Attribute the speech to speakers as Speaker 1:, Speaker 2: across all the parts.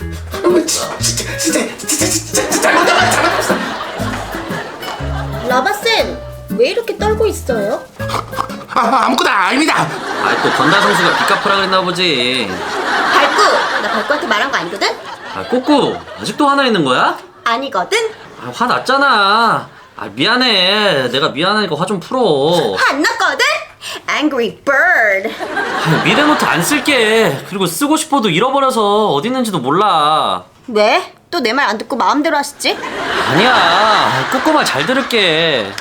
Speaker 1: 진짜 잘못했어.
Speaker 2: 라바쌤, 왜 이렇게 떨고 있어요?
Speaker 1: 아무것도 아닙니다.
Speaker 3: 또 건달 선수가 빚 갚으라 그랬나 보지.
Speaker 2: 발구! 나 발구한테 말한 거 아니거든?
Speaker 3: 꼬꾸 아직도 화나 있는 거야?
Speaker 2: 아니거든?
Speaker 3: 화 났잖아. 미안해. 내가 미안하니까 화 좀 풀어.
Speaker 2: 안 났거든? Angry Bird.
Speaker 3: 미래노트 안 쓸게. 그리고 쓰고 싶어도 잃어버려서 어디 있는지도 몰라.
Speaker 2: 왜? 또 내 말 안 듣고 마음대로 하시지?
Speaker 3: 아니야. 꼬꾸 말 잘 들을게.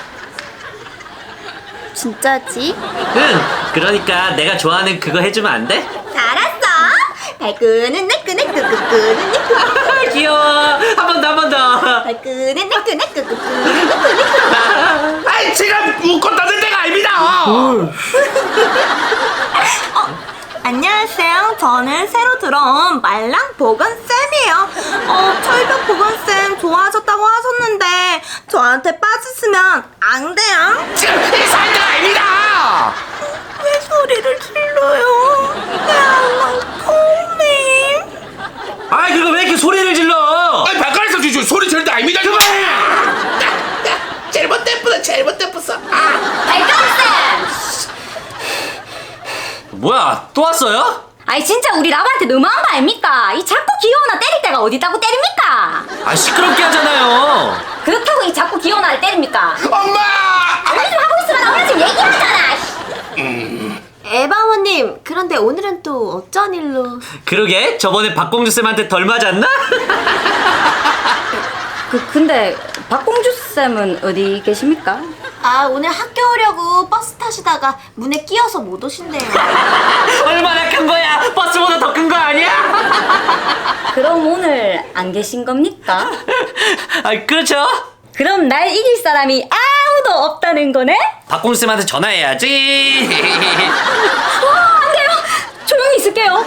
Speaker 2: 진짜지?
Speaker 3: 응. 그러니까 내가 좋아하는 그거 해주면 안 돼?
Speaker 2: 알았어. 발구는 내 끄네 끄끄끄는 내 끄.
Speaker 3: 귀여워. 한 번 더, 한 번 더.
Speaker 2: 발구는 내 끄네 끄끄끄는 내 끄네.
Speaker 1: 아이 제가 웃고 떠들 때가 아닙니다.
Speaker 2: 안녕하세요. 저는 새로 들어온 말랑 보건쌤이에요. 철벽 보건쌤 좋아하셨다고 하셨는데 저한테 빠지시면 안 돼요.
Speaker 1: 지금 이상한 때가 아닙니다.
Speaker 2: 왜 소리를 질러요? 야, 콩님.
Speaker 3: 그거 왜 이렇게 소리를 질러?
Speaker 1: 발가락에서 주주 소리 지를 때 아닙니다. 그만. 잘못됐어.
Speaker 2: 발가락쌤!
Speaker 3: 뭐야, 또 왔어요?
Speaker 2: 아니 진짜 우리 라바한테 너무한 거 아닙니까? 이 자꾸 귀여우나 때릴 때가 어디 있다고 때립니까?
Speaker 3: 시끄럽게 하잖아요.
Speaker 2: 그렇다고 이 자꾸 귀여우나를 때립니까?
Speaker 1: 엄마.
Speaker 2: 빨리 좀 하고 있으면 나 오늘 지금 얘기하잖아. 에바원님, 그런데 오늘은 또 어쩐 일로?
Speaker 3: 그러게, 저번에 박공주 쌤한테 덜 맞았나?
Speaker 4: 근데 박공주 쌤은 어디 계십니까?
Speaker 2: 오늘 학교 오려고 버스 타시다가 문에 끼어서 못 오신대요.
Speaker 3: 얼마나 큰 거야? 버스보다 더 큰 거 아니야?
Speaker 4: 그럼 오늘 안 계신 겁니까?
Speaker 3: 그렇죠.
Speaker 4: 그럼 날 이길 사람이 아무도 없다는 거네?
Speaker 3: 박공주 쌤한테 전화해야지.
Speaker 4: 안 돼요. 조용히 있을게요.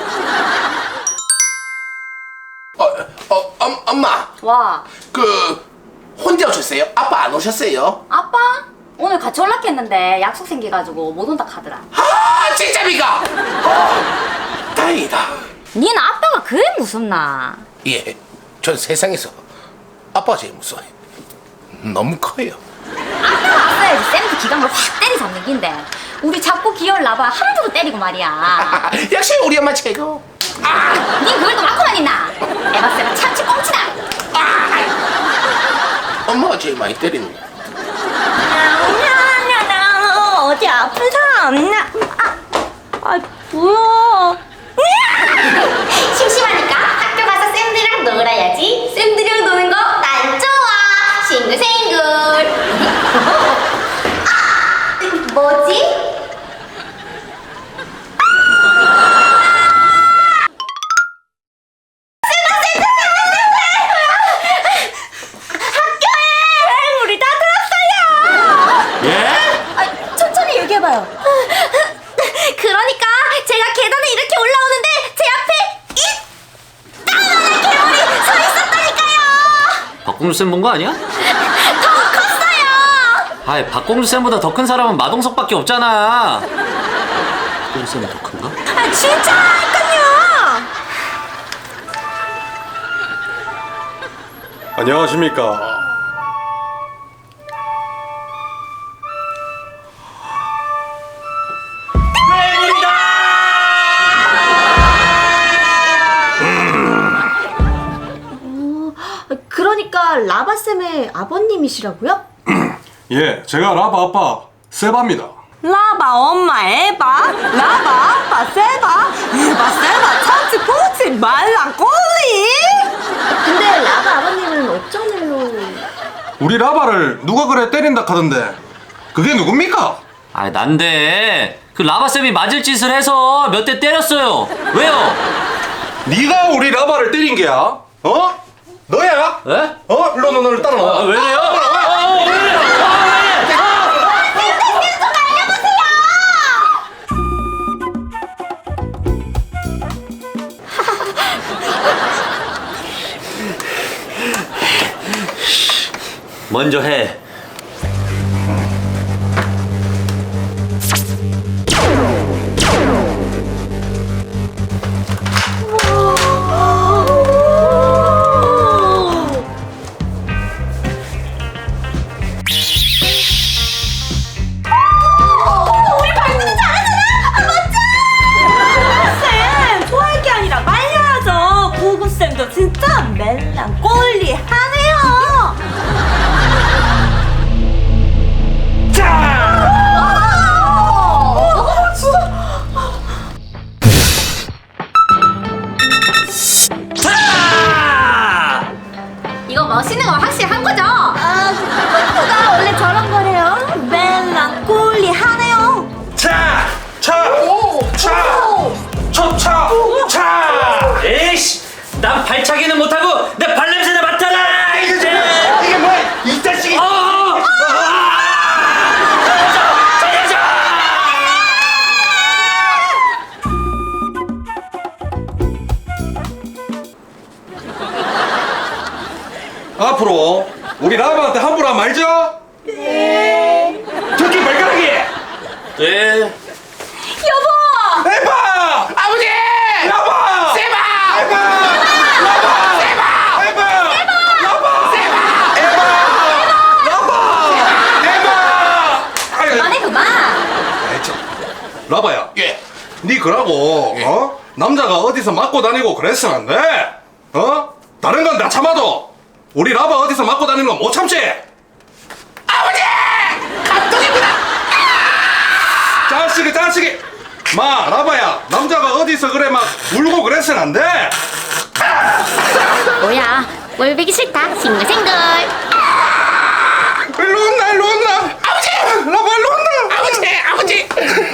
Speaker 1: 엄마.
Speaker 4: 와,
Speaker 1: 혼자 오셨어요? 아빠 안 오셨어요?
Speaker 4: 아빠? 오늘 같이 연락했는데 약속 생겨가지고 못 온다 카더라.
Speaker 1: 진짜입니까? 다행이다.
Speaker 4: 니는 아빠가 그래 무섭나?
Speaker 1: 예, 전 세상에서 아빠가 제일 무서워요. 너무 커요.
Speaker 4: 아빠가 왔어야지 쌤도 기강을 확 때리잡는 긴데 우리 자꾸 기어를 나봐 함부로 때리고 말이야.
Speaker 1: 역시 우리 엄마 최고.
Speaker 4: 니 그걸 또 맡고만 있나? 에바쌤은 참치 꽁치다.
Speaker 1: 엄마가 제일 많이 때리는 거.
Speaker 2: 어디 아픈 사람 없나? 뭐야? 심심하니까 학교 가서 쌤들이랑 놀아야지. 쌤들이랑 노는 거 난 좋아. 싱글싱글. 뭐지? 우리 다 들었어요.
Speaker 3: 예?
Speaker 2: 천천히 얘기해봐요. 그러니까 제가 계단에 이렇게 올라오는데 제 앞에 이따만한 괴물이 서 있었다니까요.
Speaker 3: 박공주 쌤 본 거 아니야?
Speaker 2: 더 컸어요.
Speaker 3: 박공주 쌤보다 더 큰 사람은 마동석밖에 없잖아. 박공주 쌤이 더 큰가?
Speaker 2: 진짜니까요.
Speaker 5: 안녕하십니까.
Speaker 2: 그러니까 라바쌤의 아버님이시라고요?
Speaker 5: 예, 제가 라바 아빠 세바입니다.
Speaker 2: 라바 엄마 에바, 라바 아빠 세바, 에바 세바 참치 꽁치 말랑 꼬리. 근데 라바 아버님은 어쩐 일로?
Speaker 5: 우리 라바를 누가 그래 때린다 카던데 그게 누굽니까?
Speaker 3: 난데 그 라바쌤이 맞을 짓을 해서 몇 대 때렸어요. 왜요?
Speaker 5: 네가 우리 라바를 때린 게야? 너야?
Speaker 3: 에?
Speaker 5: 일로 너를 따라 나와.
Speaker 3: 왜 이래요? 왜 이래요? 먼저 해.
Speaker 4: 멋있는 거 확실한 거죠?
Speaker 2: 나 원래 저런 거래요. 멜랑콜리하네요.
Speaker 5: 차!
Speaker 3: 에이씨, 난 발차기는 못하고 내 발냄새나 맡아라.
Speaker 1: 이게 뭐야? 이 자식이.
Speaker 3: 살려줘!
Speaker 5: 앞으로 우리 라바한테 함부로 하면 말죠?
Speaker 1: 저기 발가락이.
Speaker 3: 네.
Speaker 4: 여보!
Speaker 5: 해봐!
Speaker 1: 아버지.
Speaker 5: 라바!
Speaker 1: 세바.
Speaker 5: 해봐! 라바!
Speaker 1: 세바.
Speaker 5: 해봐! 라바!
Speaker 1: 세바.
Speaker 5: 라바! 아유,
Speaker 4: 그만해 그만.
Speaker 5: 라바야,
Speaker 1: 예.
Speaker 5: 니 그러고 어? 남자가 어디서 맞고 다니고 그랬으면 안 돼. 어? 다른 건 다 참아도 우리 라바 어디서 맞고 다니는 건 못 참지.
Speaker 1: 아버지. 감독이구나.
Speaker 5: 자식이. 마 라바야, 남자가 어디서 그래 막 울고 그랬으면 안 돼.
Speaker 4: 뭐야? 꼴보기 싫다. 싱글싱글.
Speaker 5: 일로 온나.
Speaker 1: 아버지.
Speaker 5: 라바 일로 온나.
Speaker 1: 아버지.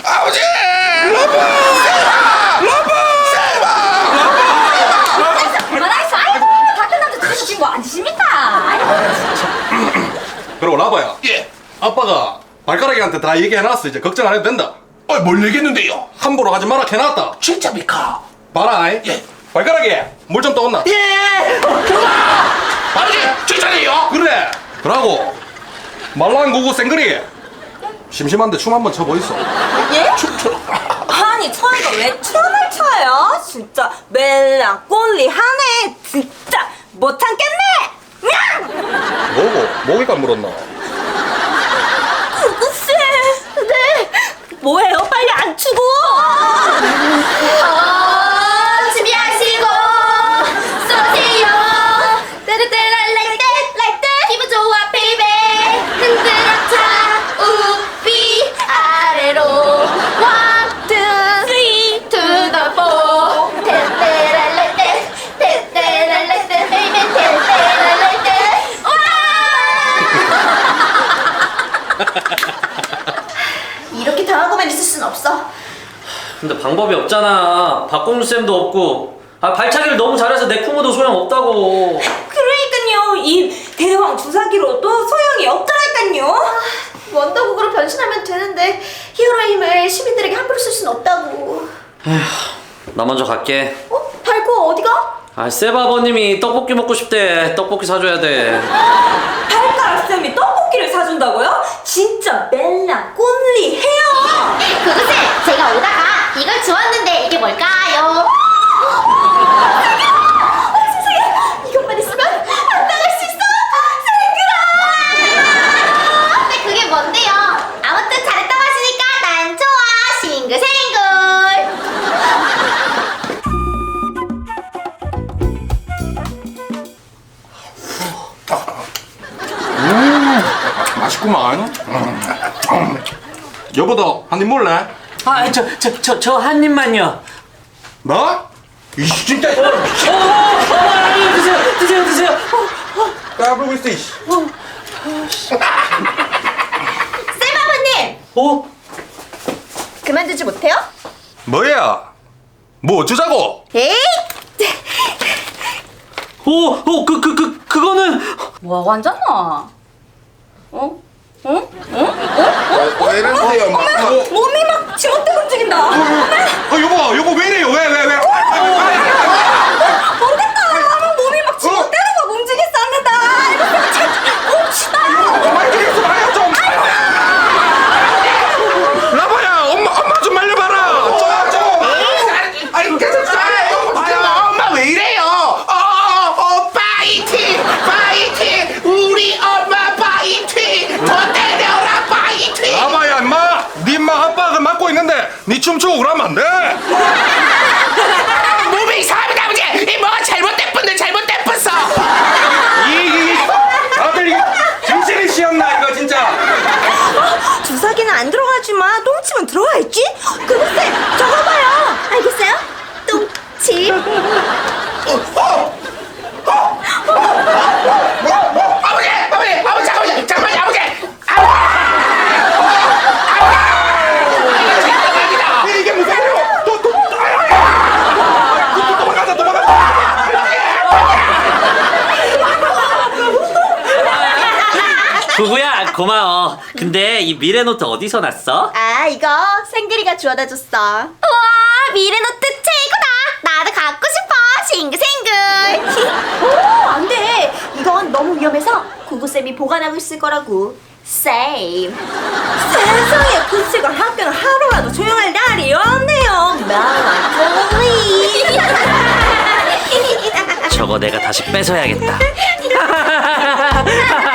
Speaker 4: 그만하겠어. 아이고 같은 남자 둘이서 지금 뭐 앉으십니까? 아이고.
Speaker 5: 그리고 라바야,
Speaker 1: 예.
Speaker 5: 아빠가 발가락이한테 다 얘기해놨어. 이제 걱정 안 해도 된다.
Speaker 1: 뭘 얘기했는데요?
Speaker 5: 함부로 하지 마라 해놨다.
Speaker 1: 진짜입니까?
Speaker 5: 봐라.
Speaker 1: 예.
Speaker 5: 발가락이 물 좀 떠온나.
Speaker 1: 예. 아버지. 진짜네요.
Speaker 5: 그래. 그러고 말랑구구 생그리 심심한데 춤 한번 춰보이소.
Speaker 2: 예? 아니 저희가 왜 춤을 춰요? 진짜 멜랑콜리하네. 진짜 못 참겠네.
Speaker 5: 뭐고? 모기가 물었나?
Speaker 2: 글쎄. 네. 뭐예요? 빨리 안 추고.
Speaker 4: 준비하시고 쏘세요. 떼르떼랄랄떼 기분 좋아 베이베. 흔들어차 우비 아래로 One, two, three, to the four. 떼르떼랄랄떼 떼르떼랄랄떼 베이베 떼르떼랄랄떼. 와! 이렇게 당하고만 있을 순 없어.
Speaker 3: 근데 방법이 없잖아. 박공주 쌤도 없고. 발차기를 너무 잘해서 내 쿠모도 소용없다고.
Speaker 2: 그러니까요. 이 대왕 주사기로도 소용이 없더라니까요.
Speaker 4: 원더국으로 변신하면 되는데 히어로 힘을 시민들에게 함부로 쓸 순 없다고.
Speaker 3: 나 먼저 갈게.
Speaker 4: 발코 어디가?
Speaker 3: 세바 아버님이 떡볶이 먹고 싶대. 떡볶이 사줘야 돼.
Speaker 2: 발가락 쌤이 떡볶이를 사준다고요? 진짜 멜랑콜리해요.
Speaker 4: 그것에 제가 오다가 이걸 주웠는데 이게 뭘까요? 세상에 이것만 있으면 안 나갈 수 있어. 생글아. 근데 그게 뭔데요? 아무튼 잘했다고 하시니까 난 좋아. 싱글생글.
Speaker 5: 맛있구만. 여보도 한 입 먹을래?
Speaker 3: 저 한 입만요.
Speaker 5: 뭐? 이씨 진짜.
Speaker 3: 드세요.
Speaker 5: 까불고 있어 이씨.
Speaker 4: 쌤아버님 그만두지 못해요?
Speaker 5: 뭐야? 뭐 어쩌자고?
Speaker 4: 에이
Speaker 3: 그거는.
Speaker 4: 뭐하고 앉았나?
Speaker 1: 왜 이러세요?
Speaker 2: 몸이 막 지멋대로 움직인다.
Speaker 5: 여보 왜 이래요? 왜?
Speaker 2: 모르겠다. 막 몸이 막 지멋대로 막 움직였었는데. 이거 참 옵시다.
Speaker 5: 많이 들여서 말려 좀. 라바야, 엄마 좀 말려봐라. 좀.
Speaker 1: 아니 계속 엄마 왜 이래요? 파이팅! 우리 엄마 파이팅! 더 때려라 파이팅!
Speaker 5: 라바야, 임마. 네 임마 아빠가 맡고 있는데 네 춤추고 그러면 안 돼.
Speaker 1: 몸이 이상합니다 아버지! 이 뭐가 잘못됐어!
Speaker 5: 다들 정신이 씨였나 이거 진짜.
Speaker 2: 주사기는 안 들어가지만 똥침은 들어가 있지? 그것에 저거 봐요.
Speaker 4: 알겠어요? 똥침
Speaker 1: 뭐?
Speaker 3: 구구야 고마워. 근데 이 미래노트 어디서 났어?
Speaker 2: 아, 이거 생글이가 주워다 줬어.
Speaker 4: 우와, 미래노트 최고다. 나도 갖고 싶어. 싱글싱글.
Speaker 2: 오, 안 돼. 이건 너무 위험해서 구구쌤이 보관하고 있을 거라고. Save. 세상에, 글쎄가 학교는 하루라도 조용할 날이 없네요. 멜랑콜리.
Speaker 3: 저거 내가 다시 뺏어야겠다.